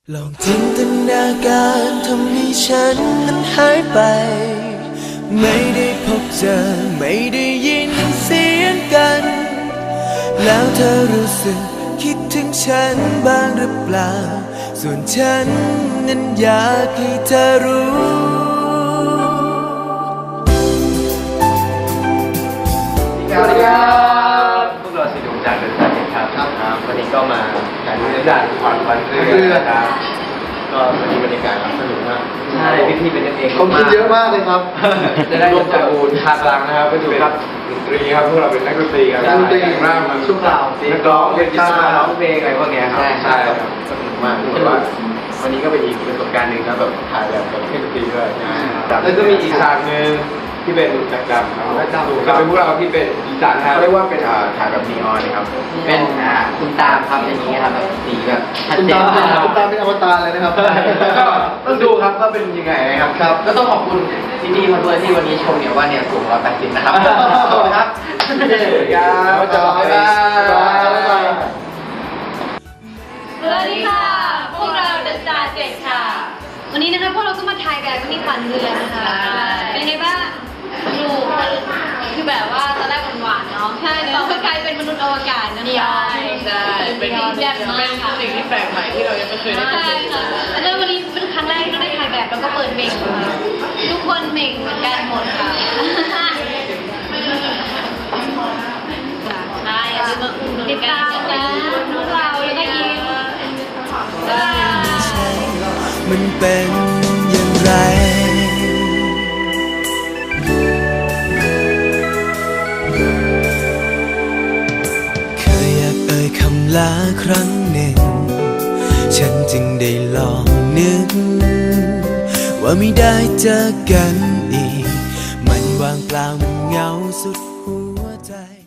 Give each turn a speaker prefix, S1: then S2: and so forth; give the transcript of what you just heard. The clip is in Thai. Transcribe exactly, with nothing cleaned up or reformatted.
S1: ลองจินตนาการทำให้ฉันนั้นหายไปไม่ได้พบเจอไม่ได้ยินเสียงกันแล้วเธอรู้สึกคิดถึงฉันบ้างหรือเปล่าส่วนฉันนั้นอยากให้เธอรู้
S2: สวัสดีครับพวกเราสีดวงจากเดินสายครับครับวันนี้ก็มาถ่ายรูปในด่านขวัญวันเรือนะครับก็วันนี้บรรยากาศสนุกมากใช่พี่ๆเป็นกันเอง
S3: คนคิดเยอะมากเลยครับ
S2: จะได้ร่วมกับอูนทางกลางนะครับเป็นนักดนตรีครับพวกเราเป็นนักดนตรีครับ
S3: นักดนตรี
S2: มากมัน
S3: ช่วงเรา
S2: นักร้องเล่นกีตาร์ร้องเพลงอะไรพวกนี้ครับใช่ครับสนุกมากคือว่าวันนี้ก็เป็นอีกประสบการณ์หนึ่งนะแบบถ่ายแบบกับเครื่องดนตรีด้วยแล้วก็มีอีกฉากหนึ่งที่เป็นแบ็คดำครับแบ็คดำก็เป็นพวกเราที่เป็นอีสานครับเรียกว่าเป็นถ่ายแบบนีออนนะครับ
S4: เป็นคุณตามครับอย่างนี้ครับแบบสีแบบชัด
S3: คุณ
S4: เจ
S3: ตาน
S4: มาก
S3: คุณตาเป็นอวตารเลยนะครับ
S2: ก็ต้องดูครับว่าเป็นยังไงนะครับ
S3: ครับ
S4: ก็ต้องขอบคุณพี่ๆมาด้วยที่วันนี้ชมเนี่ยว่าเนี่ยสูงร้อยแปดสิบนะครับขอบคุณครับ
S2: สวัสดีครับ
S3: บ๊ายบาย
S5: สวัสดีค่ะ พวกเราเดอะสตาร์เจ็ดค่ะ วันนี้นะคะพวกเราก็มาถ่ายแบบมินิฝันเรือนะคะ เป็นไงบ้างดูคือแบบว่าตอนแรกหวานๆเนาะ ใช่เราก็กลายเป็นมนุษย์อวกาศนะใช่ใช่เป็นแซ่บมากค่ะสิ่งที่แปลกใหม่ที่เรายังไม่เคยได้ใช่ค่ะแล้ววันนี้เป็นครั้งแรกที่เราได้ถ่ายแบบแล้วก็เปิดเมกค่ะทุกคนเมกเหมือนกันหมดค่ะใช่อย่าลืมมาอุ่นติดตามนะพวกเราแล้วก็ยิ้ม
S1: มันเป็นอย่างไรเคยอยากเอ่ยคำลาครั้งหนึ่งฉันจึงได้ลองนึกว่าไม่ได้เจอกันอีกมันว่างเปล่ามันเหงาสุดหัวใจ